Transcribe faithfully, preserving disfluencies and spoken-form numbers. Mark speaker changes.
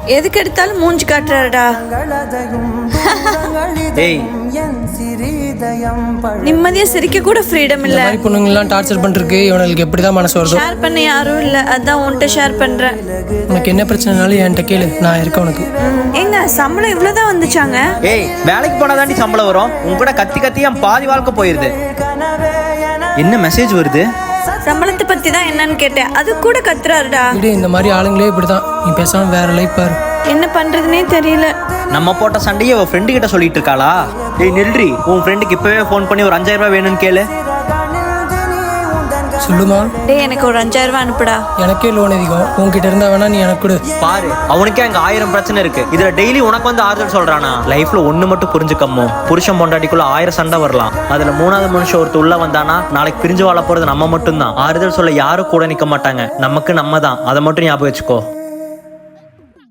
Speaker 1: எதுக்கு எடுத்தாலும் மூஞ்சி காட்டுறாருடா.
Speaker 2: ஏய்,
Speaker 1: நிம்மதியா சிரிக்க கூட ஃப்ரீடம் இல்ல.
Speaker 3: மாதிரி பொண்ணுங்கெல்லாம் டார்ச்சர் பண்ணிருக்கு. இவனுக்கு எப்படிதான் மனசு வருதோ.
Speaker 1: ஷேர் பண்ண யாரும் இல்ல, அதான் உன்கிட்ட ஷேர் பண்றேன்.
Speaker 3: உனக்கு என்ன பிரச்சனைனாலும் என்கிட்ட கேளு, நான் இருக்கேன் உனக்கு.
Speaker 1: ஏங்க சம்பளம் இவ்வளவுதான் வந்துச்சாங்க?
Speaker 2: ஏய், வேலைக்கு போனாதாண்டி சம்பளம் வரும். உன் கூட கத்தி கத்தி என் பாதி வாழ்க்கை போயிருது. என்ன மெசேஜ் வருது?
Speaker 1: சம்பளத்தை பத்தி தான் என்னன்னு கேட்டேன், அது கூட கத்துறாருடா.
Speaker 3: இது இந்த மாதிரி ஆளுங்களே இப்படிதான். நீ பேசாம வேற லைஃப் பாரு.
Speaker 1: என்ன பண்றதுனே தெரியல.
Speaker 2: நம்ம போட்ட சண்டையை அவ ஃப்ரெண்டு கிட்ட சொல்லிட்டு இருக்காளா? ஏய் நில்றி, உன் ஃப்ரெண்டுக்கு இப்பவே ஃபோன் பண்ணி ஒரு அஞ்சாயிரம் ரூபாய் வேணும்னு கேளு.
Speaker 3: சொல்லுமா?
Speaker 1: டேய் எனக்கு ஒரு அஞ்சாயிரம் ரூபாய் அனுப்புடா.
Speaker 3: எனக்கே லோன் அதிகம், உன்கிட்ட இருந்தா வேணா நீ எனக்கு கொடு.
Speaker 2: பாரு, அவனுக்கே அங்க ஆயிரம் பிரச்சனை இருக்கு. இதுல டெய்லி உனக்கு வந்து ஆறுதல் சொல்றானா? லைஃப்ல ஒண்ணு மட்டும் புரிஞ்சுக்கம்மோ, புருஷன் பொண்டாட்டிக்குள்ள ஆயிரம் சண்டை வரலாம். அதுல மூணாவது மனுஷன் ஒருத்தர் உள்ள வந்தானா நாளைக்கு பிரிஞ்சு வாழ போறது நம்ம மட்டும் தான். ஆறுதல் சொல்ல யாரும் கூட நிக்க மாட்டாங்க, நமக்கு நம்ம தான். அதை மட்டும் ஞாபகம் வச்சுக்கோ.